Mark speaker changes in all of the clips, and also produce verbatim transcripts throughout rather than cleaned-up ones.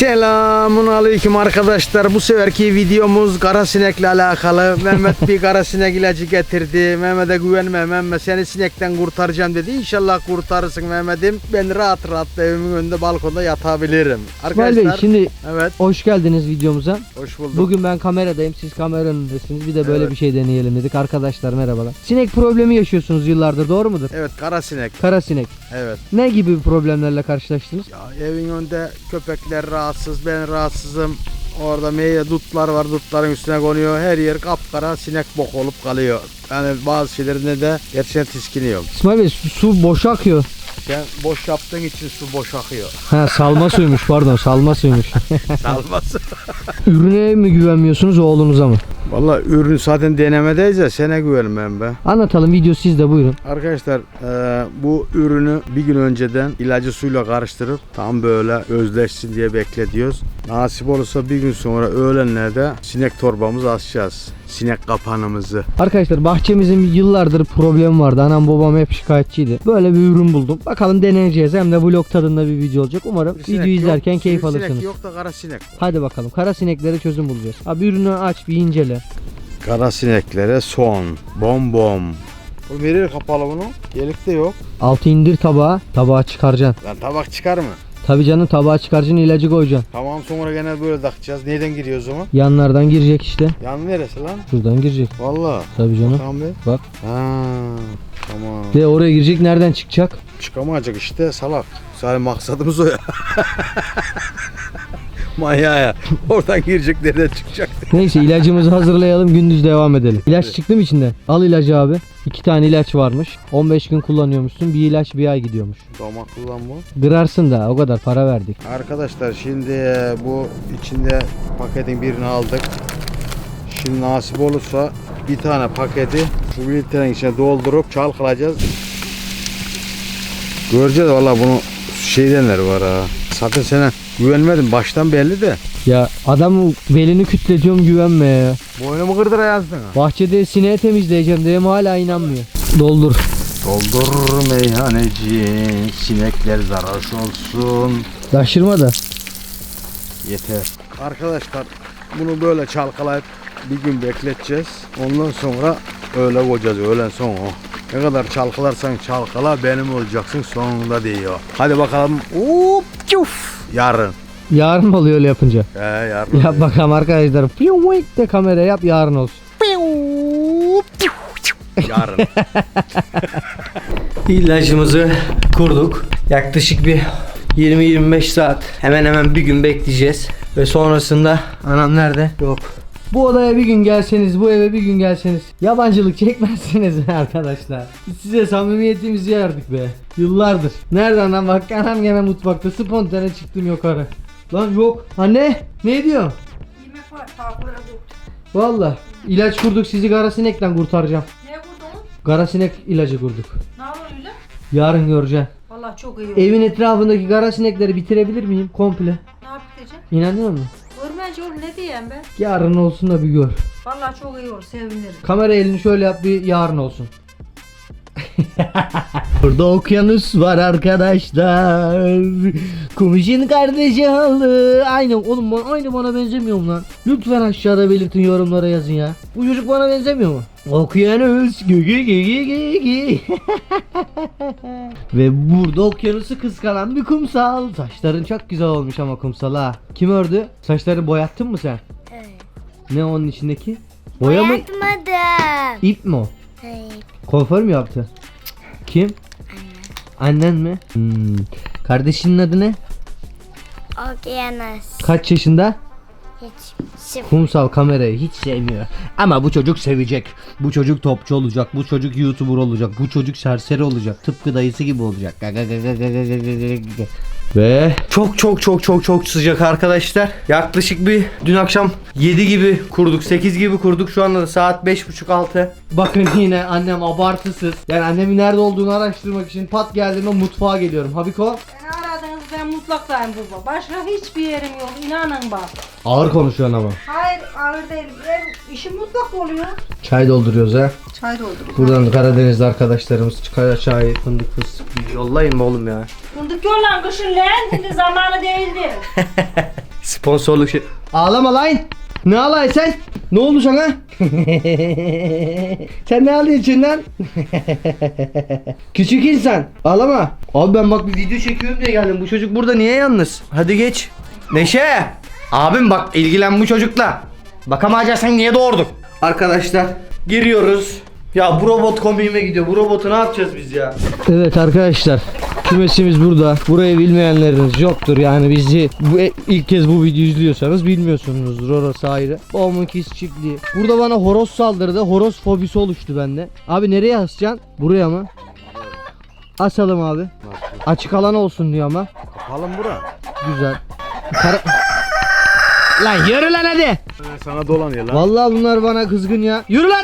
Speaker 1: Selamun aleyküm arkadaşlar. Bu seferki videomuz karasinekle alakalı. Mehmet bir karasinek ilacı getirdi. Mehmet'e güvenme Mehmet, seni sinekten kurtaracağım dedi. İnşallah kurtarırsın Mehmet'im. Ben rahat rahat evimin önünde balkonda yatabilirim.
Speaker 2: Arkadaşlar İsmail Bey, şimdi
Speaker 1: evet.
Speaker 2: Hoş geldiniz videomuza.
Speaker 1: Hoş bulduk.
Speaker 2: Bugün ben kameradayım, siz kamera önündesiniz. Bir de böyle
Speaker 1: evet.
Speaker 2: bir şey deneyelim dedik. Arkadaşlar merhabalar. Sinek problemi yaşıyorsunuz yıllardır, doğru mudur?
Speaker 1: Evet, karasinek.
Speaker 2: Karasinek.
Speaker 1: Evet.
Speaker 2: Ne gibi problemlerle karşılaştınız?
Speaker 1: Ya, evin önünde köpekler rahatsız, ben rahatsızım. Orada meyve dutlar var, dutların üstüne konuyor. Her yer kapkara sinek bok olup kalıyor. Yani bazı şeylerinde de gerçekten tiskiniyorum.
Speaker 2: İsmail Bey, su, su boş akıyor.
Speaker 1: Sen boş yaptığın için su boş akıyor.
Speaker 2: Ha, salma suymuş, pardon, salma suymuş.
Speaker 1: Salması.
Speaker 2: Ürüne mi güvenmiyorsunuz, oğlunuza mı?
Speaker 1: Vallahi ürün zaten denemedeyiz ya, sana güvenmem ben.
Speaker 2: Anlatalım, video sizde, buyurun.
Speaker 1: Arkadaşlar e, bu ürünü bir gün önceden ilacı suyla karıştırıp tam böyle özleşsin diye bekletiyoruz. Nasip olursa bir gün sonra öğlenlerde sinek torbamızı açacağız. Sinek kapanımızı.
Speaker 2: Arkadaşlar bahçemizin yıllardır problemi vardı. Anam babam hep şikayetçiydi. Böyle bir ürün buldum. Bakalım deneyeceğiz. Hem de vlog tadında bir video olacak. Umarım videoyu izlerken
Speaker 1: yok,
Speaker 2: keyif alırsınız.
Speaker 1: Sinek yok da kara sinek var.
Speaker 2: Hadi bakalım. Kara sineklere çözüm bulacağız. Abi ürünü aç, bir incele.
Speaker 1: Kara sineklere son. Bom bom. Bu nereye kapalı bunu? Delik de yok.
Speaker 2: Altı indir tabağa. Tabağa çıkaracaksın.
Speaker 1: Lan tabak çıkar mı?
Speaker 2: Tabii canım, tabağa çıkaracaksın, ilacı koyacaksın.
Speaker 1: Tamam, sonra gene böyle takacağız. Nereden giriyoruz o zaman?
Speaker 2: Yanlardan girecek işte.
Speaker 1: Yan neresi lan?
Speaker 2: Şuradan girecek.
Speaker 1: Vallahi.
Speaker 2: Tabii canım.
Speaker 1: Tamam be.
Speaker 2: Bak.
Speaker 1: Ha, tamam.
Speaker 2: Ve oraya girecek, nereden çıkacak?
Speaker 1: Çıkamayacak işte, salak. Sadece maksadımız o ya. Manyağı ya. Oradan girecek, nereden çıkacak?
Speaker 2: Neyse, ilacımızı hazırlayalım, gündüz devam edelim. İlaç evet. Çıktı mı içinde? Al ilacı abi. İki tane ilaç varmış. on beş gün kullanıyormuşsun. Bir ilaç bir ay gidiyormuş.
Speaker 1: Damaklı lan bu.
Speaker 2: Kırarsın da, o kadar para verdik.
Speaker 1: Arkadaşlar şimdi bu içinde paketin birini aldık. Şimdi nasip olursa bir tane paketi bu bir litrenin içine doldurup çalkalayacağız. Göreceğiz valla, bunu şeydenler var ha. Zaten sana güvenmedim baştan belli de.
Speaker 2: Ya adamın belini kütletiyorum, güvenme ya.
Speaker 1: Boynumu kırdıra yazdın ha.
Speaker 2: Bahçede sineği temizleyeceğim diye hala inanmıyor. Doldur.
Speaker 1: Doldur meyhaneci, sinekler zararsız olsun.
Speaker 2: Taşırma da.
Speaker 1: Yeter. Arkadaşlar bunu böyle çalkalayıp bir gün bekleteceğiz. Ondan sonra öyle koyacağız, öğlen sonra. Ne kadar çalkalarsan çalkala benim olacaksın sonunda diyor. Hadi bakalım. Hop, çuf. Yarın.
Speaker 2: Yarın mı oluyor öyle yapınca?
Speaker 1: He, yarın.
Speaker 2: Yap bakalım arkadaşlar. Piyuik de kamera yap, yarın olsun.
Speaker 1: Yarın.
Speaker 2: İlacımızı kurduk. Yaklaşık bir yirmi yirmi beş saat, hemen hemen bir gün bekleyeceğiz. Ve sonrasında anam nerede? Yok. Bu odaya bir gün gelseniz, bu eve bir gün gelseniz yabancılık çekmezsiniz arkadaşlar. Biz size samimiyetimizi yardık be. Yıllardır. Nereden lan, bak anam gene mutfakta spontane çıktım yukarı. Lan yok. Anne ne diyor?
Speaker 3: Yemek var, tavuklara bu.
Speaker 2: Valla ilaç kurduk, sizi karasinekten kurtaracağım.
Speaker 3: Ne kurdun?
Speaker 2: Karasinek ilacı kurduk.
Speaker 3: Ne yapalım öyle?
Speaker 2: Yarın göreceksin.
Speaker 3: Vallahi çok iyi oldu.
Speaker 2: Evin etrafındaki karasinekleri bitirebilir miyim komple?
Speaker 3: Ne yapacağım?
Speaker 2: İnanıyor musun?
Speaker 3: Görmence oğlum, ne diyeyim ben?
Speaker 2: Yarın olsun da bir gör.
Speaker 3: Vallahi çok iyi olur, sevinirim.
Speaker 2: Kamera elini şöyle yap, bir yarın olsun. Burada okyanus var arkadaşlar. Kumuş'un kardeşi halı. Aynı oğlum, bana, aynı bana benzemiyor mu lan? Lütfen aşağıda belirtin, yorumlara yazın ya. Bu çocuk bana benzemiyor mu? Okyanus gü gü gü gü gü gü. Ve burada okyanusu kıskanan bir kumsal. Saçların çok güzel olmuş ama kumsal ha. Kim ördü? Saçları boyattın mı sen?
Speaker 4: Evet.
Speaker 2: Ne onun içindeki? Boya mı?
Speaker 4: Boyatmadım.
Speaker 2: İp mi o?
Speaker 4: Hayır.
Speaker 2: Kuaför mü yaptı? Kim? Anne. Annen mi? Hmm. Kardeşinin adı ne?
Speaker 4: Okyanus.
Speaker 2: Kaç yaşında?
Speaker 4: Hiç. Sıfır.
Speaker 2: Kumsal kamerayı hiç sevmiyor. Ama bu çocuk sevecek. Bu çocuk topçu olacak. Bu çocuk YouTuber olacak. Bu çocuk serseri olacak. Tıpkı dayısı gibi olacak. Ve çok çok çok çok çok sıcak arkadaşlar. Yaklaşık bir dün akşam yedi gibi kurduk, sekiz gibi kurduk. Şu anda da saat beş buçuk altı. Bakın yine annem abartısız. Yani annemin nerede olduğunu araştırmak için pat geldiğimde mutfağa geliyorum. Habiko?
Speaker 3: Beni aradınız, ben mutfaktayım baba. Başka hiçbir yerim yok, inanın bak.
Speaker 2: Ağır konuşuyorsun ama.
Speaker 3: Hayır, ağır değil. Ev, işim mutfakta oluyor.
Speaker 2: Çay dolduruyoruz ha.
Speaker 3: Çay dolduruyor.
Speaker 2: Buradan Karadeniz'de arkadaşlarımız çıkar çay, fındık, fıstık yollayın mı oğlum ya?
Speaker 3: Fındık yollan kışın lan, şimdi zamanı değildir.
Speaker 2: Sponsorluk şey. Ağlama lan. Ne ağlay sen? Ne oldu sana? Sen ne ağlıyorsun lan? Küçük insan. Ağlama. Abi ben bak bir video çekiyorum diye geldim. Bu çocuk burada niye yalnız? Hadi geç. Neşe. Abim bak ilgilen bu çocukla. Bakamayacaksan niye doğurduk? Arkadaşlar giriyoruz. Ya bu robot komiğime gidiyor. Bu robotu ne yapacağız biz ya? Evet arkadaşlar. Kümesimiz burada. Burayı bilmeyenleriniz yoktur. Yani bizi bu, ilk kez bu videoyu izliyorsanız bilmiyorsunuzdur. Orası ayrı. Babamın kis çiftliği. Burada bana horoz saldırdı. Horoz fobisi oluştu bende. Abi nereye asacaksın? Buraya mı? Asalım abi. Açık alan olsun diyor ama.
Speaker 1: Kapalım bura.
Speaker 2: Güzel. Kara... Lan yürü lan hadi.
Speaker 1: Sana dolanıyor lan.
Speaker 2: Vallahi bunlar bana kızgın ya. Yürü lan.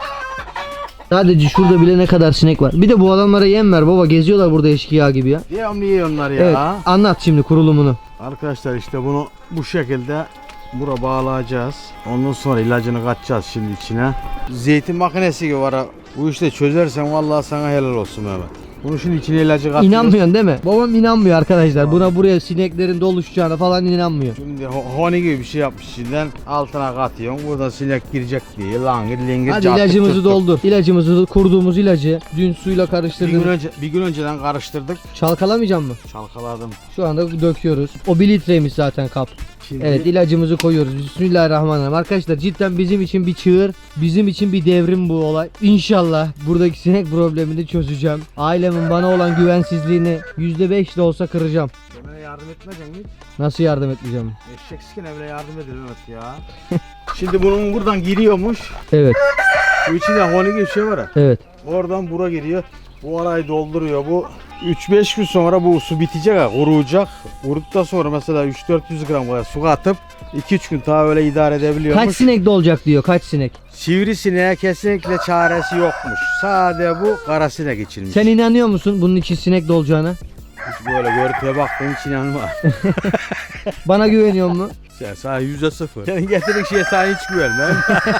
Speaker 2: Sadece şurada bile ne kadar sinek var. Bir de bu adamlara yem ver baba, geziyorlar burada eşkıya gibi ya.
Speaker 1: Devamlı yiyorlar ya.
Speaker 2: Evet, anlat şimdi kurulumunu.
Speaker 1: Arkadaşlar işte bunu bu şekilde bura bağlayacağız. Ondan sonra ilacını katacağız şimdi içine. Zeytin makinesi gibi var. Bu işte çözersen vallahi sana helal olsun Mehmet. Bunu şimdi içine ilacı katıyoruz.
Speaker 2: İnanmıyorsun değil mi? Babam inanmıyor arkadaşlar. Buna buraya sineklerin doluşacağına falan inanmıyor.
Speaker 1: Şimdi ho- honi gibi bir şey yapmış içinden altına katıyorsun. Burada sinek girecek diye langır lingir
Speaker 2: Hadi
Speaker 1: çattık
Speaker 2: ilacımızı
Speaker 1: tuttuk.
Speaker 2: doldur. İlacımızı kurduğumuz ilacı dün suyla
Speaker 1: Bir
Speaker 2: karıştırdım.
Speaker 1: gün önce bir gün önceden karıştırdık.
Speaker 2: Çalkalamayacağım mı?
Speaker 1: Çalkaladım.
Speaker 2: Şu anda döküyoruz. O bir litreymiş zaten kap.
Speaker 1: Şimdi
Speaker 2: Evet, ilacımızı koyuyoruz. Bismillahirrahmanirrahim. Arkadaşlar cidden bizim için bir çığır, bizim için bir devrim bu olay. İnşallah buradaki sinek problemini çözeceğim. Ailemin bana olan güvensizliğini yüzde beş de olsa kıracağım.
Speaker 1: Emre'ye yardım etmeyeceksin mi?
Speaker 2: Nasıl yardım etmeyeceğim?
Speaker 1: Eşeksizken Emre'ye yardım edilir Mehmet ya. Şimdi bunun buradan giriyormuş.
Speaker 2: Evet,
Speaker 1: Bu içinde honi gibi bir şey var ya.
Speaker 2: evet.
Speaker 1: Oradan bura giriyor. Bu arayı dolduruyor. Bu üç beş gün sonra bu su bitecek ha, kuruyacak. Kuruduktan sonra mesela üç dört yüz gram kadar su atıp iki üç gün daha öyle idare edebiliyormuş.
Speaker 2: Kaç sinek dolacak diyor, kaç sinek.
Speaker 1: Sivrisineğe kesinlikle çaresi yokmuş. Sadece bu kara sinek içilmiş.
Speaker 2: Sen inanıyor musun bunun için sinek dolacağına?
Speaker 1: Hiç böyle görüntüye baktın hiç inanma.
Speaker 2: Bana güveniyor mu?
Speaker 1: Sen sana yüzde sıfır. Senin getirdiğin şeye sana hiç güvenmem.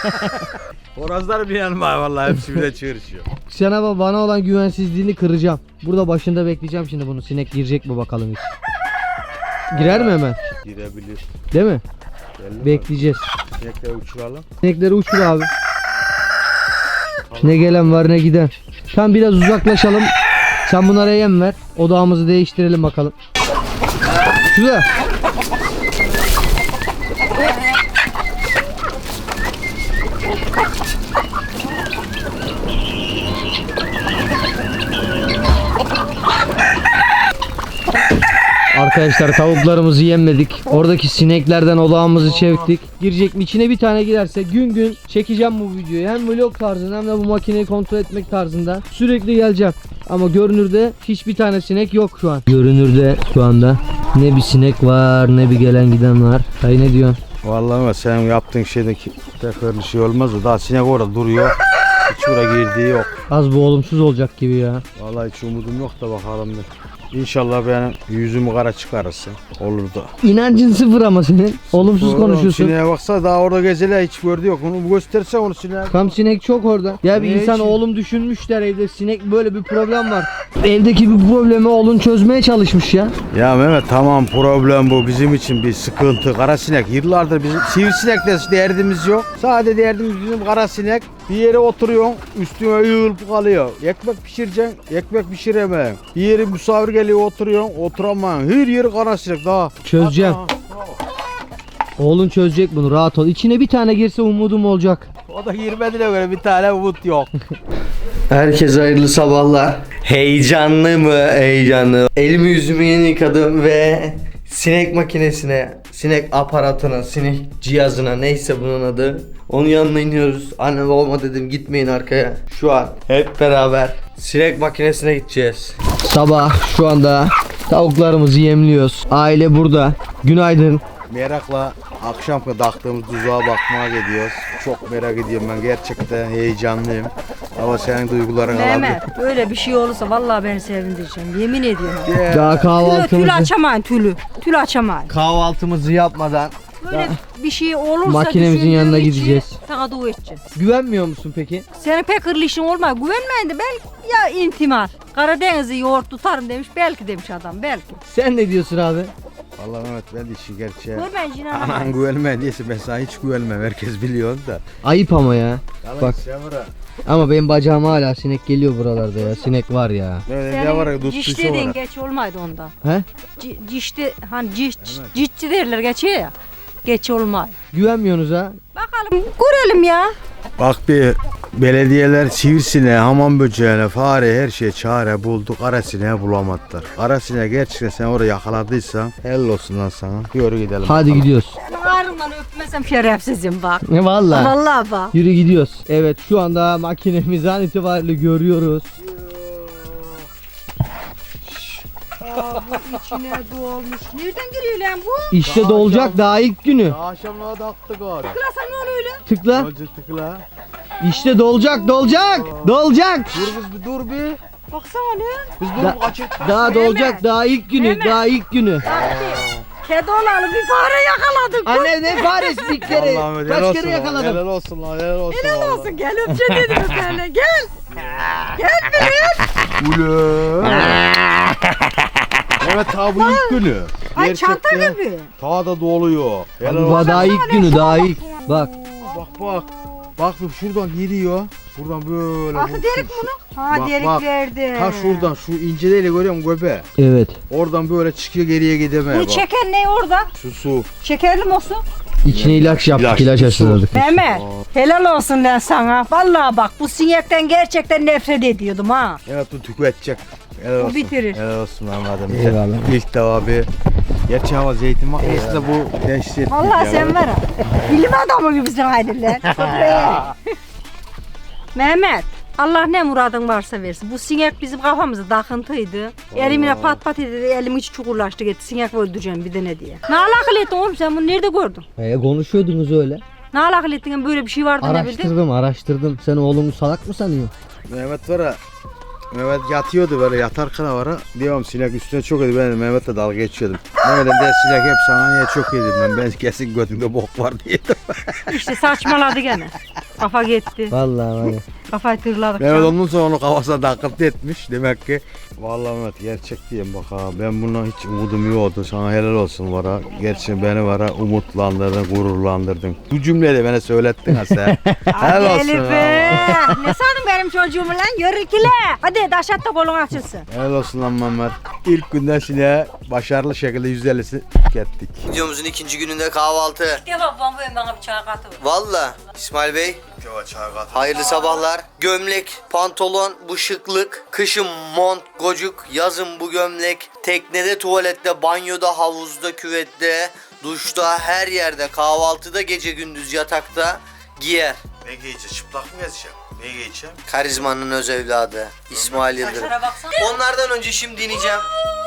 Speaker 1: Horozlar bir yanma vallahi hepsi bir de çığırışıyor.
Speaker 2: Sana ba- bana olan güvensizliğini kıracağım. Burada başında bekleyeceğim şimdi bunu. Sinek girecek mi bakalım hiç. Girer mi hemen?
Speaker 1: Girebilir.
Speaker 2: Değil mi?
Speaker 1: Belli mi?
Speaker 2: Bekleyeceğiz.
Speaker 1: Sinekleri uçuralım.
Speaker 2: Sinekleri uçur abi. Ne gelen var ne giden. Tam biraz uzaklaşalım. Sen bunlara yem ver. Odağımızı değiştirelim bakalım. Şurada. Arkadaşlar tavuklarımızı yemledik. Oradaki sineklerden odağımızı çektik. Girecek mi? İçine bir tane girerse gün gün çekeceğim bu videoyu. Hem vlog tarzında hem de bu makineyi kontrol etmek tarzında. Sürekli geleceğim. Ama görünürde hiçbir tane sinek yok şu an. Görünürde şu anda ne bir sinek var ne bir gelen giden var. Hayır, ne diyorsun?
Speaker 1: Vallahi ama senin yaptığın şeydeki tekrar bir şey olmaz da daha sinek orada duruyor. Hiç oraya girdiği yok.
Speaker 2: Az bu olumsuz olacak gibi ya.
Speaker 1: Vallahi hiç umudum yok da bakalım bir. İnşallah benim yüzümü kara çıkarırsın. Olur da.
Speaker 2: İnancın sıfır ama senin. Olumsuz
Speaker 1: Oğlum,
Speaker 2: konuşuyorsun.
Speaker 1: Sineğe baksa daha orada gezeler hiç gördü yok. Onu gösterse onu sineğe.
Speaker 2: Tam sinek çok orada. Ya bir
Speaker 1: Ne
Speaker 2: insan
Speaker 1: için?
Speaker 2: oğlum düşünmüşler evde sinek böyle bir problem var. Evdeki bir problemi oğlun çözmeye çalışmış ya.
Speaker 1: Ya Mehmet tamam problem bu bizim için bir sıkıntı. Kara sinek yıllardır bizim sivrisinekle derdimiz yok. Sadece derdimiz bizim kara sinek. Bir yere oturuyorsun üstüne yığılıp kalıyor. Ekmek pişireceksin ekmek pişiremem. Bir yere misafir geliyor oturuyorsun oturamam. Her yeri kara sinek daha.
Speaker 2: Çözeceğim. Oğlun çözecek bunu, rahat ol. İçine bir tane girse umudum olacak.
Speaker 1: O da girmediğine göre bir tane umut yok.
Speaker 2: Herkese hayırlı sabahlar. Heyecanlı mı? Heyecanlı. Elimi yüzümü yeni yıkadım ve sinek makinesine, sinek aparatına, sinek cihazına, neyse bunun adı. Onun yanına iniyoruz. Anne babama dedim gitmeyin arkaya. Şu an hep beraber sinek makinesine gideceğiz. Sabah şu anda tavuklarımızı yemliyoruz. Aile burada. Günaydın.
Speaker 1: Merakla akşam taktığımız tuzağa bakmaya gidiyoruz. Çok merak ediyorum ben gerçekten heyecanlıyım. Ama senin duyguların
Speaker 3: Mehmet böyle bir şey olursa vallahi beni sevindireceğim. Yemin ediyorum.
Speaker 1: alabilir.
Speaker 2: Daha
Speaker 3: Tülü, tülü
Speaker 2: kahvaltımızı
Speaker 3: açamayın tülü. Tülü açamayın.
Speaker 2: kahvaltımızı yapmadan
Speaker 3: Böyle bir şey olursa
Speaker 2: makinemizin
Speaker 3: düşündüğüm
Speaker 2: yanına
Speaker 3: için
Speaker 2: gideceğiz.
Speaker 3: Sana dua edeceğiz.
Speaker 2: güvenmiyor musun peki?
Speaker 3: Senin pek hırlı işin olmaz. Güvenmeyin de belki ya intimal. Karadeniz'i yoğurt tutarım demiş. Belki demiş adam belki.
Speaker 2: Sen ne diyorsun abi?
Speaker 1: Vallahi Mehmet ben de işi gerçeğe.
Speaker 3: Dur ben
Speaker 1: Anan
Speaker 3: inanamam.
Speaker 1: güvenme diyese ben sana hiç güvenmem. Herkes biliyor da.
Speaker 2: Ayıp ama ya.
Speaker 1: Yalan
Speaker 2: Bak.
Speaker 1: Şevra.
Speaker 2: Ama benim bacağıma hala sinek geliyor buralarda ya. Sinek var ya.
Speaker 1: Böyle ne var ya
Speaker 3: Senin ciş
Speaker 1: tuttuysa
Speaker 3: dediğin
Speaker 1: var.
Speaker 3: geç olmaydı onda.
Speaker 2: He?
Speaker 3: C- cişti hani ciş, cişçi derler geçiyor ya. Geç olmay.
Speaker 2: Güvenmiyorsunuz ha?
Speaker 3: Bakalım görelim ya.
Speaker 1: Bak bir belediyeler sivrisineğe, hamam böceğine, fare her şeye çare buldu. Kara sineği bulamadılar. Kara sineği gerçekten sen oraya yakaladıysan helal olsun lan sana. Yürü gidelim.
Speaker 2: Hadi
Speaker 1: bakalım.
Speaker 2: gidiyoruz.
Speaker 3: Senin ağrından öpmesem şerefsizim bak.
Speaker 2: Ne valla?
Speaker 3: Vallahi bak.
Speaker 2: Yürü gidiyoruz. Evet şu anda makinemizi an itibariyle görüyoruz.
Speaker 3: Aa, bu içine dolmuş. Nereden geliyor lan bu?
Speaker 2: İşte dolacak daha ilk günü.
Speaker 1: Akşamlığa da attık abi.
Speaker 3: Tıklasan ne oluyor öyle?
Speaker 2: Tıkla.
Speaker 1: Önce tıkla.
Speaker 2: İşte dolacak dolacak. Dolacak.
Speaker 1: Dur biz bir dur bir.
Speaker 3: Baksana lan.
Speaker 1: Biz dur
Speaker 2: Da-
Speaker 1: kaçır.
Speaker 2: Daha dolacak daha ilk günü.
Speaker 3: Hemen.
Speaker 2: Daha ilk günü.
Speaker 3: Bak bir. Kedi olalı bir fare yakaladık.
Speaker 2: Anne ne faresi bir kere.
Speaker 1: Allah'ım, helal
Speaker 2: Kaç
Speaker 1: olsun
Speaker 2: kere
Speaker 1: lan,
Speaker 2: yakaladım.
Speaker 1: Helal olsun lan helal olsun.
Speaker 3: Helal
Speaker 1: vallahi.
Speaker 3: olsun gel öpeceğim dedim sana. Gel. Gel bir.
Speaker 1: Ulan. Evet ta bu ilk günü.
Speaker 3: Ay çanta
Speaker 1: Gerçekten
Speaker 3: gibi.
Speaker 1: ta da doluyor. Helal
Speaker 2: Abi,
Speaker 1: olsun.
Speaker 2: daha ilk günü daha ilk. Bak.
Speaker 1: Bak bak. Bak bak şuradan giriyor. Buradan böyle.
Speaker 3: Altı
Speaker 1: bu-
Speaker 3: delik
Speaker 1: şu-
Speaker 3: bunu. Ha
Speaker 1: Bak,
Speaker 3: deliklerde.
Speaker 1: Ta şuradan şu inceleyle görüyor musun göbe?
Speaker 2: Evet.
Speaker 1: Oradan böyle çıkıyor geriye gidemeye
Speaker 3: Bunu
Speaker 1: bak.
Speaker 3: çeken ne orada?
Speaker 1: Su su.
Speaker 3: Şekerli olsun.
Speaker 2: İçine ilaç yaptık.
Speaker 1: İlaç,
Speaker 2: ilaç
Speaker 1: su.
Speaker 2: aşıladık.
Speaker 3: Mehmet. Helal olsun lan sana. Vallahi bak bu sinekten gerçekten nefret ediyordum ha.
Speaker 1: Evet bu tüketecek. Helal
Speaker 3: Bu
Speaker 1: olsun.
Speaker 3: bitirir.
Speaker 1: Helal olsun Ahmet'im.
Speaker 2: Eyvallah.
Speaker 1: İlk defa bir. Gerçi ama zeytin makinesi de bu dehşet.
Speaker 3: Vallahi sen var ha. Bilim adamı gibisin haydi lan. Mehmet. Allah ne muradın varsa versin. Bu sinek bizim kafamıza takıntıydı. Elimine pat pat edildi. Elim hiç çukurlaştı gitti. Sinek öldüreceğim bir de ne diye. Ne alakalı ettin oğlum sen bunu nerede gördün?
Speaker 2: E, konuşuyordunuz öyle.
Speaker 3: Ne alakalı ettin böyle bir şey vardı ne bildin?
Speaker 2: Araştırdım araştırdım. Sen oğlumu salak mı sanıyorsun?
Speaker 1: Mehmet var ya. Mehmet yatıyordu böyle yatarken var ha. Diyorum sinek üstüne çok yedi. Ben de Mehmet'le dalga geçiyordum. Mehmet'e de sinek hep sana niye çok yedim ben. Ben kesin götümde bok var diyedim.
Speaker 3: İşte saçmaladı gene. Kafa gitti.
Speaker 2: Vallahi var ya.
Speaker 3: Kafayı tırladık.
Speaker 1: Mehmet ondan sonra onu kafasına takıntı etmiş. Demek ki vallahi Mehmet gerçek diyeyim bak ha. Ben bundan hiç umudum yoktu. Sana helal olsun var ha. Gerçi beni var ha umutlandırdın, gururlandırdın. Bu cümleyi de bana söylettin ha sen. helal
Speaker 3: Hadi
Speaker 1: olsun
Speaker 3: Elif
Speaker 1: ha.
Speaker 3: be. Ne sandın benim çocuğumu lan? Yürü ikile. Hadi daşat da kolun açılsın.
Speaker 1: Helal olsun lan Mehmet. İlk günden sineğe başarılı şekilde yüzde ellisi tükettik.
Speaker 2: Videomuzun ikinci gününde kahvaltı.
Speaker 3: Gel bak bana bana bir çay katı ver.
Speaker 2: Valla İsmail Bey hayırlı sabahlar. Gömlek, pantolon, bu şıklık. Kışın mont, gocuk, yazın bu gömlek. Teknede, tuvalette, banyoda, havuzda, küvette, duşta, her yerde, kahvaltıda, gece gündüz yatakta giyer.
Speaker 1: Ne giyeceğiz? Çıplak mı gezeceğim? Ne giyeceğim?
Speaker 2: Karizmanın öz evladı İsmail Yıldırım.
Speaker 3: Saçlara baksana.
Speaker 2: Onlardan önce şimdi ineceğim.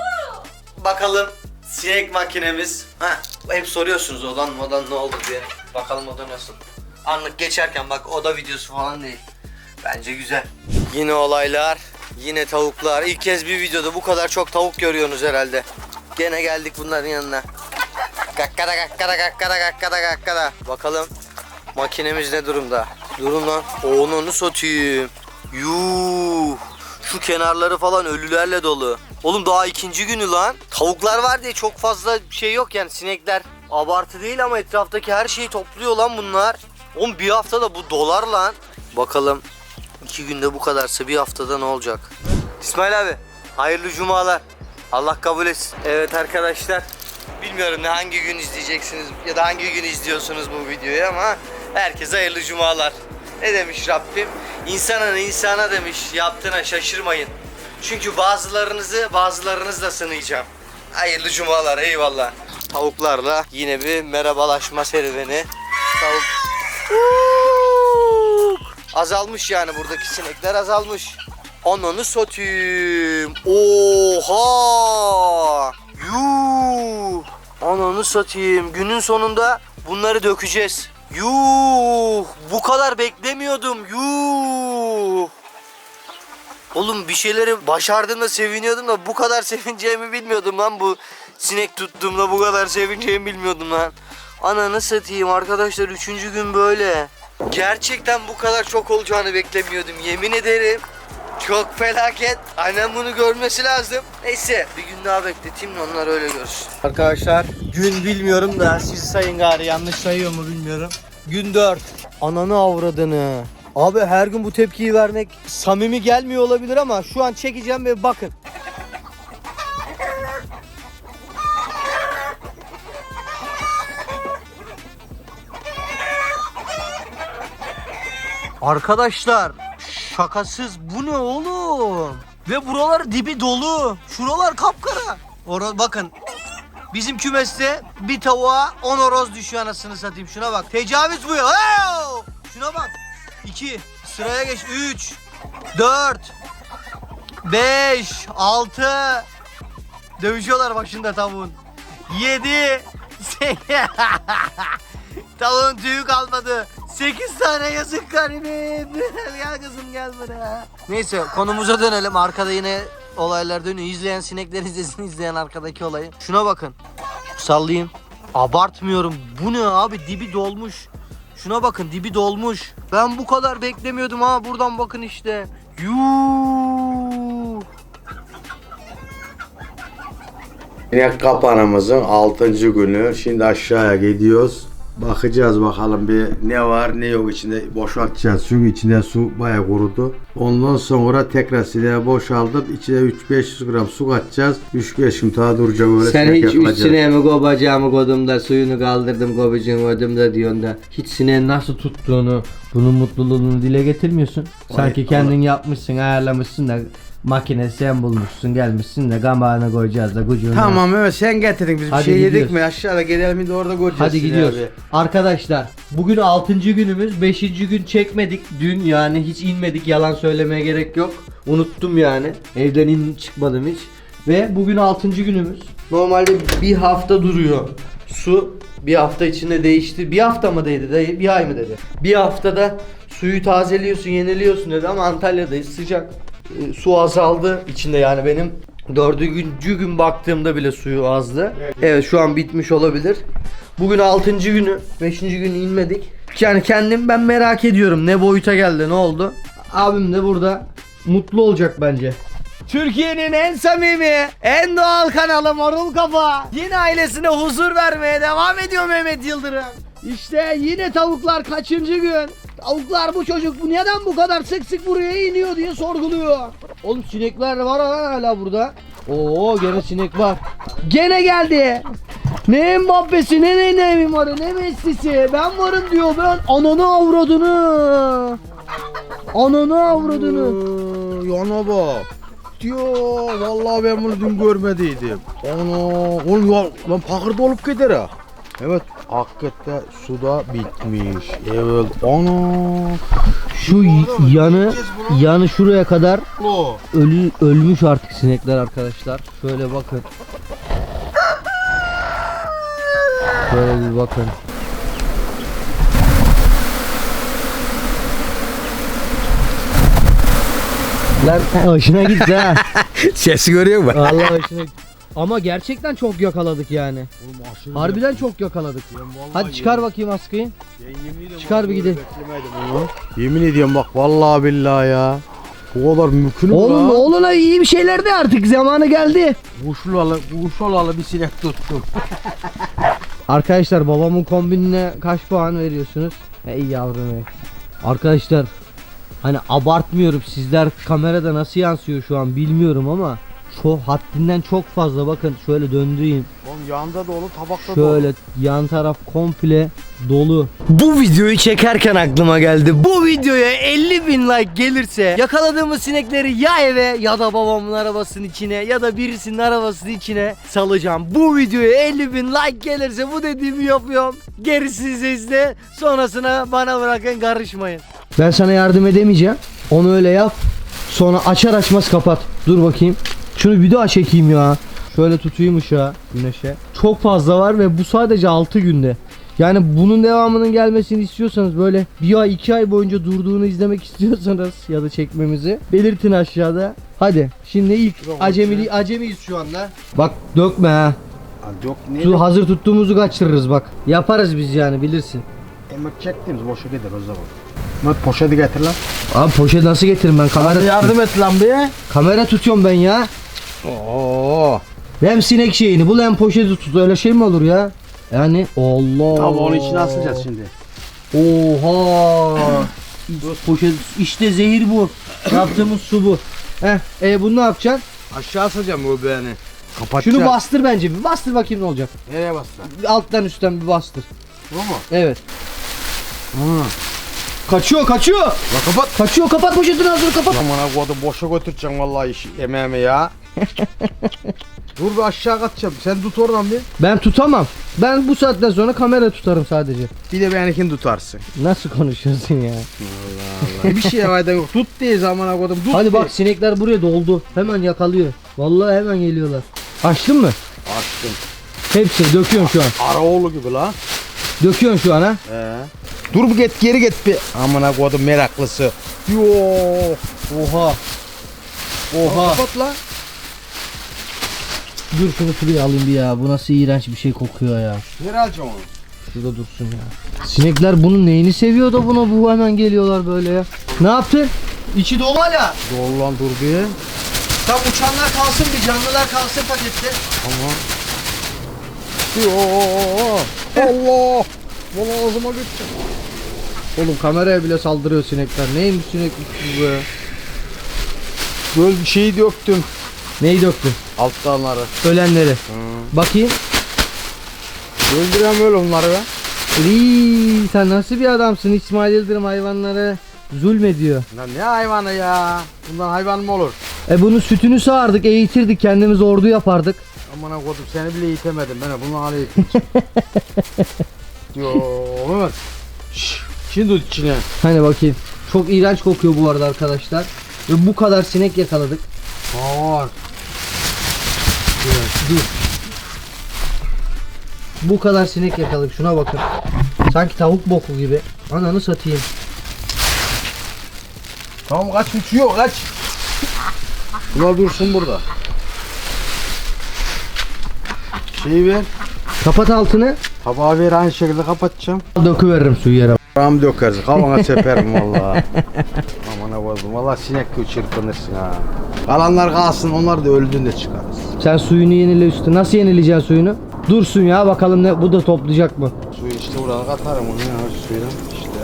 Speaker 2: Bakalım sinek makinemiz. Ha, hep soruyorsunuz odan modan ne oldu diye. Bakalım oda nasıl. Anlık geçerken bak oda videosu falan değil. Bence güzel. Yine olaylar, yine tavuklar. İlk kez bir videoda bu kadar çok tavuk görüyorsunuz herhalde. Gene geldik bunların yanına. Kakkada kakkada kakkada kakkada kakkada. Bakalım makinemiz ne durumda? Durun lan. Onu satayım. Yuh. Şu kenarları falan ölülerle dolu. Oğlum daha ikinci günü lan. Tavuklar var diye çok fazla şey yok yani sinekler. Abartı değil ama etraftaki her şeyi topluyor lan bunlar. Oğlum bir haftada bu dolar lan. Bakalım iki günde bu kadarsa bir haftada ne olacak? İsmail abi hayırlı cumalar. Allah kabul etsin. Evet arkadaşlar. Bilmiyorum ne hangi gün izleyeceksiniz ya da hangi gün izliyorsunuz bu videoyu ama herkese hayırlı cumalar. Ne demiş Rabbim? İnsanın insana demiş, yaptığına şaşırmayın. Çünkü bazılarınızı bazılarınızla sınayacağım. Hayırlı cumalar, eyvallah. Tavuklarla yine bir merhabalaşma serüveni. Tavuk. Azalmış yani buradaki sinekler azalmış. Ananı satayım. Oha! Yuh! Ananı satayım. Günün sonunda bunları dökeceğiz. Yuh! Bu kadar beklemiyordum. Yuh! Oğlum bir şeyleri başardığımda seviniyordum da bu kadar sevineceğimi bilmiyordum lan. Bu sinek tuttuğumda bu kadar sevineceğimi bilmiyordum lan. Ananı satayım arkadaşlar, üçüncü gün böyle. Gerçekten bu kadar çok olacağını beklemiyordum, yemin ederim. Çok felaket. Annem bunu görmesi lazım. Neyse bir gün daha bekleteyim de onlar öyle görsün. Arkadaşlar gün bilmiyorum da siz sayın gari, yanlış sayıyor mu bilmiyorum. Gün dört. Ananı avradını. Abi her gün bu tepkiyi vermek samimi gelmiyor olabilir ama şu an çekeceğim ve bakın. Arkadaşlar şakasız bu ne oğlum? Ve buralar dibi dolu. Şuralar kapkara. Ora bakın. Bizim kümeste bir tavuğa on horoz düşüyor anasını satayım. Şuna bak. Tecavüz bu ya. Hey! Şuna bak. iki. Sıraya geç. üç. dört. beş. altı. Dövüşüyorlar başında tavuğun. yedi. Tavuğun tüyü kalmadı. sekiz tane yazık garibim. Gel kızım gel buraya. Neyse konumuza dönelim. Arkada yine olaylar dönüyor. İzleyen sinekler izlesin, izleyen arkadaki olayı. Şuna bakın. Sallayayım. Abartmıyorum. Bu ne abi? Dibi dolmuş. Şuna bakın, dibi dolmuş. Ben bu kadar beklemiyordum ha. Buradan bakın işte. Yuuu.
Speaker 1: Sinek kapanımızın altıncı günü. Şimdi aşağıya gidiyoruz. Bakacağız bakalım bir ne var ne yok içinde, boşaltacağız. Çünkü içinde su bayağı kurudu. Ondan sonra tekrar sineğe boşaltıp içine üç beş yüz gram su katacağız. üç beş gün daha duracak öyle.
Speaker 2: Sen hiç üç sineğimi kobacağımı kodum da suyunu kaldırdım kobacığımı ödüm da diyorsun da hiç sineğin nasıl tuttuğunu, bunun mutluluğunu dile getirmiyorsun. Sanki
Speaker 1: Ay,
Speaker 2: kendin Allah. Yapmışsın, ayarlamışsın da makine sen bulmuşsun, gelmişsin de gamağına koyacağız da kucuğuna.
Speaker 1: Tamam evet sen getirdin, biz bir
Speaker 2: Hadi
Speaker 1: şey
Speaker 2: gidiyoruz.
Speaker 1: yedik mi aşağıda gelelim de orada göreceğiz.
Speaker 2: Hadi
Speaker 1: sineği
Speaker 2: gidiyoruz.
Speaker 1: abi.
Speaker 2: Arkadaşlar bugün altıncı günümüz. beşinci gün çekmedik. Dün yani hiç inmedik. Yalan söylemeye gerek yok. Unuttum yani. Evden in çıkmadım hiç. Ve bugün altıncı günümüz. Normalde bir hafta duruyor. Su bir hafta içinde değişti. Bir hafta mı dedi dayı? Bir ay mı dedi? Bir haftada suyu tazeliyorsun, yeniliyorsun dedi ama Antalya'dayız, sıcak. E, su azaldı içinde yani benim. Dördüncü gün baktığımda bile suyu azdı. Evet, evet şu an bitmiş olabilir. Bugün altıncı günü. Beşinci gün inmedik. Yani kendim ben merak ediyorum. Ne boyuta geldi, ne oldu? Abim de burada mutlu olacak bence. Türkiye'nin en samimi, en doğal kanalı Marul Kafa. Yine ailesine huzur vermeye devam ediyor Mehmet Yıldırım. İşte yine tavuklar kaçıncı gün? Tavuklar bu çocuk bu neden bu kadar sık sık buraya iniyor diye sorguluyor. Oğlum sinekler var hala burada. Oo gene sinek var. Gene geldi. Ne Mbappe'si ne ne Neymar'ı ne Messi'si. Ben varım diyor, ben ananı avradını. Ananı avradını.
Speaker 1: Yana bak. Diyor vallahi ben bunu dün görmediydim. Ana oğlum ya lan pakırda olup gider ha. Evet hakikaten suda bitmiş. Evet ana.
Speaker 2: Şu yanı yanı şuraya kadar
Speaker 1: Lo.
Speaker 2: ölü ölmüş artık sinekler arkadaşlar. Şöyle bakın. Şöyle bir bakın. Lan hoşuna gitti ha.
Speaker 1: Sesi görüyor musun?
Speaker 2: Vallahi hoşuna gitti. Ama gerçekten çok yakaladık yani. Harbiden çok yakaladık. Hadi çıkar bakayım askıyı. Çıkar bir gidelim.
Speaker 1: Yemin ediyorum bak vallahi billahi ya. Bu kadar mümkün mü
Speaker 2: Oğlum
Speaker 1: la?
Speaker 2: oğluna iyi bir şeyler de artık zamanı geldi.
Speaker 1: Kuşlu alı, kuşlu alı bir sinek tuttum.
Speaker 2: Arkadaşlar babamın kombinine kaç puan veriyorsunuz? Ey yavrum ey. Arkadaşlar hani abartmıyorum, sizler kamerada nasıl yansıyor şu an bilmiyorum ama çok haddinden çok fazla, bakın şöyle döndüreyim.
Speaker 1: Oğlum yanda dolu, tabakta dolu.
Speaker 2: Şöyle yan taraf komple dolu. Bu videoyu çekerken aklıma geldi. Bu videoya elli bin like gelirse yakaladığımız sinekleri ya eve ya da babamın arabasının içine ya da birisinin arabasının içine salacağım. Bu videoya elli bin like gelirse bu dediğimi yapıyorum. Gerisi sizde. Sonrasına bana bırakın, karışmayın. Ben sana yardım edemeyeceğim. Onu öyle yap. Sonra açar açmaz kapat. Dur bakayım. Şunu bir daha çekeyim ya. Şöyle tutayım ışığa, güneşe. Çok fazla var ve bu sadece altı günde. Yani bunun devamının gelmesini istiyorsanız, böyle bir ay iki ay boyunca durduğunu izlemek istiyorsanız ya da çekmemizi belirtin aşağıda. Hadi şimdi ilk acemili acemiyiz şu anda. Bak dökme ha.
Speaker 1: Yok ne?
Speaker 2: Su hazır tuttuğumuzu kaçırırız bak. Yaparız biz yani, bilirsin.
Speaker 1: Ama çektiğimiz boşa gider o zaman. Mat poşeti getir lan.
Speaker 2: Abi poşet nasıl getiririm ben? Kamera
Speaker 1: Hadi yardım et lan bir.
Speaker 2: kamera tutuyorum ben ya.
Speaker 1: Oo.
Speaker 2: Hem sinek şeyini bul hem poşeti tut. Öyle şey mi olur ya? Yani Allah.
Speaker 1: Tamam onun içine asacağız şimdi.
Speaker 2: Oha. Poşet işte zehir bu. Yaptığımız su bu. Heh, e bunu ne yapacaksın?
Speaker 1: Aşağı asacağım bu beğeni. Kapatacağım.
Speaker 2: Şunu bastır bence bir. Bastır bakayım ne olacak.
Speaker 1: Nereye bastın?
Speaker 2: Alttan üstten bir bastır.
Speaker 1: Bu mu?
Speaker 2: Evet.
Speaker 1: Hı.
Speaker 2: Kaçıyor kaçıyor.
Speaker 1: La kapat.
Speaker 2: Kaçıyor kapat poşetin ağzını kapat.
Speaker 1: Amına koydum boşa götüreceğim vallahi işi emeğimi ya. Dur bir aşağı kaçacağım. Sen tut oradan bir.
Speaker 2: Ben tutamam. Ben bu saatten sonra kamera tutarım sadece.
Speaker 1: Bir de benimkini tutarsın.
Speaker 2: Nasıl konuşuyorsun ya?
Speaker 1: Allah. Bir şey fayda yok. Tut diye zamana koydum. Tut
Speaker 2: Hadi
Speaker 1: diye.
Speaker 2: bak sinekler buraya doldu. Hemen yakalıyor. Vallahi hemen geliyorlar. Açtın mı?
Speaker 1: Açtım.
Speaker 2: Hepsini döküyorsun şu an.
Speaker 1: Araoğlu gibi la.
Speaker 2: Döküyorsun şu an ha.
Speaker 1: Ee. Dur bir git geri git bir. Amına koydum meraklısı. Yo.
Speaker 2: Oha. Oha.
Speaker 1: Kapat la.
Speaker 2: Dur şunu şuraya alayım bir ya. Bu nasıl iğrenç bir şey kokuyor ya.
Speaker 1: Nereye alacağım onu?
Speaker 2: Şurada dursun ya. Sinekler bunun neyini seviyor da buna bu hemen geliyorlar böyle ya. Ne yaptın? İçi dolu hala.
Speaker 1: Dur lan dur bir.
Speaker 2: Tam uçanlar kalsın bir canlılar kalsın pakette.
Speaker 1: Tamam. Yo. Allah. Valla ağzıma gitti.
Speaker 2: Oğlum kameraya bile saldırıyor sinekler. Neymiş sineklik bu be?
Speaker 1: Böyle bir şey döktüm.
Speaker 2: Neyi döktün?
Speaker 1: Alttanları.
Speaker 2: Ölenleri.
Speaker 1: Hı.
Speaker 2: Bakayım.
Speaker 1: Öldürem öyle onları be.
Speaker 2: Iiii, sen nasıl bir adamsın? İsmail Yıldırım hayvanlara zulmediyor.
Speaker 1: Lan ne hayvanı ya? Bundan hayvan mı olur?
Speaker 2: E bunun sütünü sağardık, eğitirdik, kendimiz ordu yapardık.
Speaker 1: Amına koydum seni bile eğitemedim. Ben bunu hala eğiteceğim. Yo Mehmet. Şşş. Şimdi tut içine.
Speaker 2: Hani bakayım. Çok iğrenç kokuyor bu arada arkadaşlar. Ve bu kadar sinek yakaladık.
Speaker 1: Var.
Speaker 2: Dur. Bu kadar sinek yakaladık. Şuna bakın. Sanki tavuk boku gibi. Ananı satayım.
Speaker 1: Tamam kaç uçuyor kaç. Bunlar dursun burada. Şeyi ver.
Speaker 2: Kapat altını.
Speaker 1: Tabağı ver aynı şekilde kapatacağım.
Speaker 2: Döküveririm suyu yere.
Speaker 1: Ram dökeriz. Kavana seperim valla. Aman koydum. Valla sinek gibi çırpınırsın ha. Kalanlar kalsın onlar da öldüğünde çıkarız.
Speaker 2: Sen suyunu yenile üstü. Nasıl yenileyeceksin suyunu? Dursun ya bakalım ne bu da toplayacak mı?
Speaker 1: Suyu işte buradan katarım onu ya suyunu işte.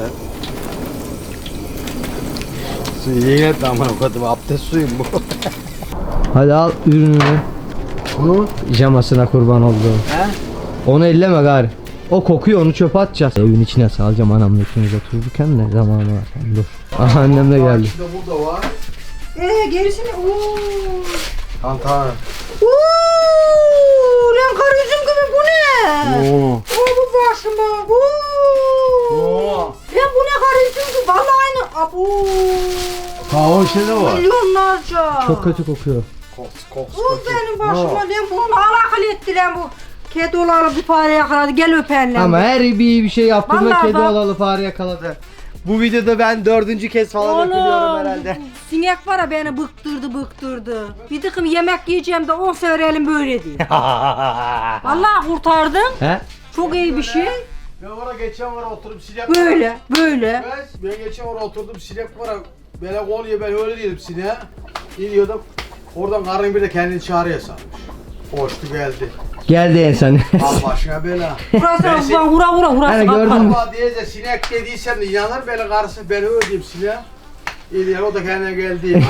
Speaker 1: Suyu yine et aman koydum. Abdest suyum bu.
Speaker 2: Hadi al ürününü.
Speaker 1: Bunu?
Speaker 2: Pijamasına kurban olduğum.
Speaker 1: He?
Speaker 2: Onu elleme gari. O kokuyor onu çöpe atacağız. Evin içine salacağım anamla ikimiz otururken de zamanı var. Dur. Aha annem de geldi.
Speaker 1: İçinde burada var.
Speaker 3: Ee gerisini ooo.
Speaker 1: Kantar.
Speaker 3: Ooo lan kar yüzüm gibi bu ne?
Speaker 1: Oo.
Speaker 3: Oo bu başıma. Ooo.
Speaker 1: Oo.
Speaker 3: Lan bu ne kar yüzüm gibi vallahi aynı. Abo.
Speaker 1: Ha o işte de var.
Speaker 3: Milyonlarca.
Speaker 2: Çok kötü kokuyor.
Speaker 1: Koks koks.
Speaker 3: Bu benim başıma lan bunu alakal etti lan bu. Kedi olalı bir fare yakaladı gel öpen lan.
Speaker 2: Ama her bir iyi bir şey yaptığında
Speaker 3: Vallahi
Speaker 2: kedi
Speaker 3: bak.
Speaker 2: olalı fare yakaladı. Bu videoda ben dördüncü kez falan öpülüyorum herhalde.
Speaker 3: Sinek var ya beni bıktırdı bıktırdı. Bir tıkım yemek yiyeceğim de on sefer elim böyle değil. Vallahi kurtardım.
Speaker 2: He?
Speaker 3: Çok iyi bir şey.
Speaker 1: Ben oraya geçen var oturup sinek.
Speaker 3: Böyle böyle.
Speaker 1: Ben, ben geçen oraya oturdum sinek var. Böyle kol ye ben öyle dedim sineğe. İniyordum. Oradan karın bir de kendini çağırıyor sanmış. Koştu geldi.
Speaker 2: Geldi en son.
Speaker 1: Al başına bela.
Speaker 3: Burası
Speaker 1: Ben
Speaker 3: ulan hura hura hurası
Speaker 2: Hani gördün
Speaker 3: kapalı.
Speaker 2: mü?
Speaker 1: Allah diye de sinek dediysem de inanır beni karısı ben öyle diyeyim sineğe. İyi o da kendine geldi.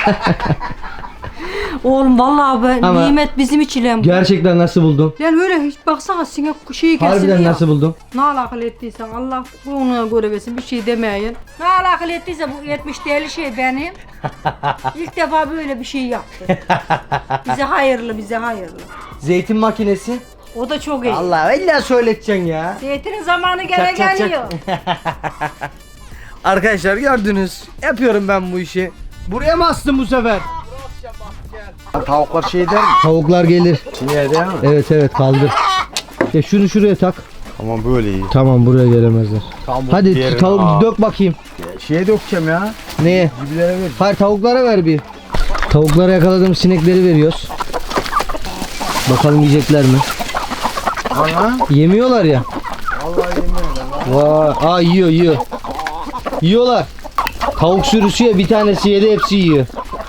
Speaker 3: Oğlum vallahi ben
Speaker 2: Ama-
Speaker 3: nimet bizim için lan bu.
Speaker 2: Gerçekten nasıl buldun?
Speaker 3: Lan öyle hiç baksana sinek şeyi kesildi
Speaker 2: Harbiden
Speaker 3: ya.
Speaker 2: nasıl buldun?
Speaker 3: Ne alakalı ettiysen Allah ona göre versin bir şey demeyin. Ne alakalı ettiyse bu yetmiş değerli şey benim. İlk defa böyle bir şey yaptı. Bize hayırlı bize hayırlı.
Speaker 2: Zeytin makinesi.
Speaker 3: O da çok iyi.
Speaker 2: Allah illa söyleteceksin ya.
Speaker 3: Zeytinin zamanı gene
Speaker 2: Çak, çak, çak.
Speaker 3: geliyor.
Speaker 2: Arkadaşlar gördünüz. Yapıyorum ben bu işi. Buraya mı astın bu sefer?
Speaker 1: Tavuklar şey der mi?
Speaker 2: Tavuklar gelir.
Speaker 1: Sineğe der mi?
Speaker 2: Evet evet kaldır. Ya şunu şuraya tak.
Speaker 1: Tamam böyle iyi.
Speaker 2: Tamam buraya gelemezler.
Speaker 1: Tamam,
Speaker 2: Hadi
Speaker 1: diğerini
Speaker 2: tavuk
Speaker 1: al.
Speaker 2: dök bakayım.
Speaker 1: Şeye dökeceğim ya.
Speaker 2: Neye?
Speaker 1: Gibilere ver.
Speaker 2: Hayır tavuklara ver bir. Tavuklara yakaladığım sinekleri veriyoruz. Bakalım yiyecekler mi?
Speaker 1: Ana.
Speaker 2: Yemiyorlar ya.
Speaker 1: Vallahi yemiyorum lan.
Speaker 2: Vay, aa yiyor yiyor. Yiyorlar. Tavuk sürüsü ya, bir tanesi yedi, hepsi yiyor.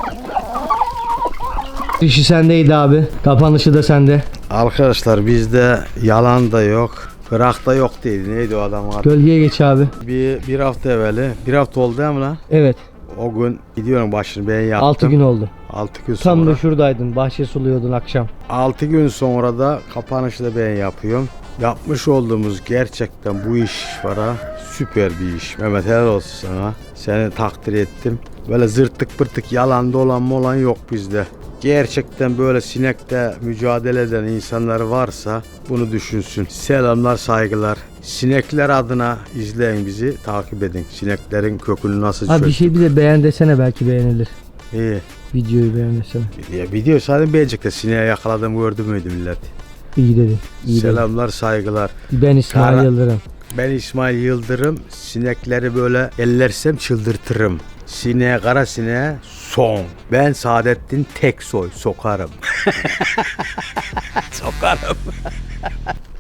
Speaker 2: İşi sendeydi abi. Kapanışı da sende.
Speaker 1: Arkadaşlar bizde yalan da yok. Bırak da yok değil. Neydi o adamın adı?
Speaker 2: Gölgeye geç abi.
Speaker 1: Bir, bir hafta evveli. Bir hafta oldu değil mi lan?
Speaker 2: Evet.
Speaker 1: O gün gidiyorum başını ben yaptım.
Speaker 2: altı gün oldu.
Speaker 1: altı gün
Speaker 2: Tam
Speaker 1: sonra.
Speaker 2: da şuradaydın. Bahçe suluyordun akşam.
Speaker 1: altı gün sonra da kapanışı da ben yapıyorum. Yapmış olduğumuz gerçekten bu iş var ha. Süper bir iş. Mehmet helal olsun sana. Seni takdir ettim. Böyle zırttık pırtık yalan dolan molan yok bizde. Gerçekten böyle sinekte mücadele eden insanlar varsa bunu düşünsün. Selamlar, saygılar. Sinekler adına izleyin bizi, takip edin. Sineklerin kökünü nasıl
Speaker 2: Abi bir
Speaker 1: çözdük.
Speaker 2: şey bir de beğen desene, belki beğenilir.
Speaker 1: İyi.
Speaker 2: Videoyu beğen desene.
Speaker 1: Ya video zaten beğenecek de sineğe yakaladım gördü müydü millet?
Speaker 2: İyi dedin. İyi dedin.
Speaker 1: Selamlar, saygılar.
Speaker 2: Ben İsmail
Speaker 1: Kara-
Speaker 2: Yıldırım.
Speaker 1: Ben İsmail Yıldırım. Sinekleri böyle ellersem çıldırtırım. Sineğe, kara sineğe son. Ben Saadettin Teksoy sokarım. Sokarım.